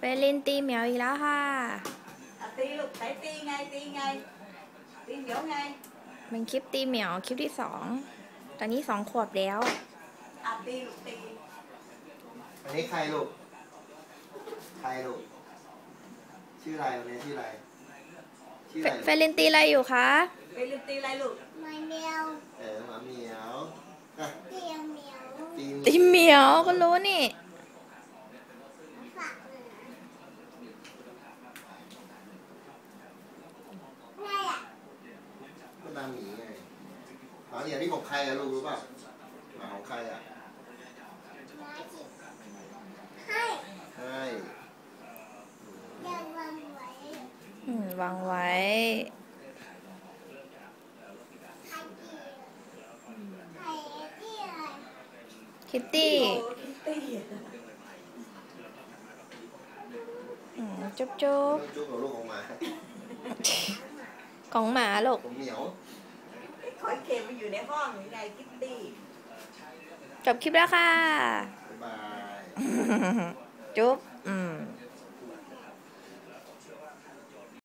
เล่นตีเหมียวอีกแล้วค่ะตีลูกไหนตีไงตีไงตีเหมียวไงเป็นคลิปตีเหมียวคลิปที่2ตอนนี้2 ขวบแล้วตีลูกตีอันนี้ใครลูกใครลูกชื่ออะไรวันนี้ชื่ออะไรเฟรนตีอะไรอยู่คะเฟรนตีอะไรลูกหมาเหมียวหมาเหมียวตีเหมียวตีเหมียวก็รู้นี่ก็นาหมีไงหมาเหมียวนี่ของใครอะลูกรู้ป่ะหมาของใครอะให้ยังวางไว้วางไว้คิตตี้จุ๊บจุ๊บจุ๊บกับลูกของหมาของหมาลูกของเหมียวคอยเข็มมาอยู่ในห้องนี่ไงคิตตี้จบคลิปแล้วค่ะบ๊ายบายจุ๊บ